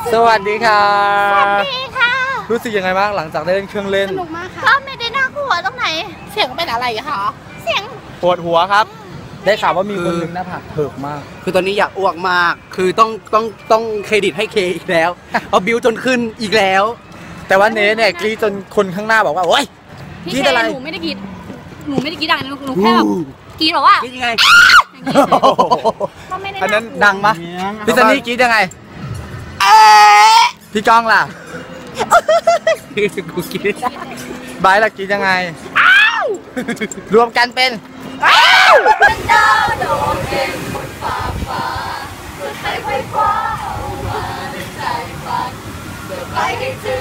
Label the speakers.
Speaker 1: สวัสดีค่ะ
Speaker 2: สวัสดีค่ะ
Speaker 1: รู้สึกยังไงบ้างหลังจากได้เล่นเครื่องเล่น
Speaker 2: สนุกมากค่ะก็ไม่ได้น่ากลัวตรงไหนเสียงเป็นอะไรคะเสียง
Speaker 1: ปวดหัวครับได้ข่าวว่ามีคนหนึ่งหน้าผากเถิกมาก
Speaker 3: คือตอนนี้อยากอ้วกมากคือต้องเครดิตให้เคอีกแล้วเอาบิวจนขึ้นอีกแล้ว
Speaker 1: แต่ว่าเนเนี่ยกรี๊ดจนคนข้างหน้าบอกว่าโอ๊ย
Speaker 2: กรี๊ดอะไรหนูไม่ได้กรี๊ดดังหนูแค่แบบกรี๊ดแบบว่าก
Speaker 3: รี๊ดยังไง
Speaker 1: อันนั้นดังปะพี่ซันนี่กรี๊ดยังไงพี่ก้องล่ะ
Speaker 3: กูกรี๊ด
Speaker 1: บายล่ะกรี๊ดยังไงรวมกันเป็น
Speaker 2: ดาวโดดเด่นบนฟ้าเพื่อใครไฟฟ้าเอามาในใจฝันเพื่อไปให้ถึง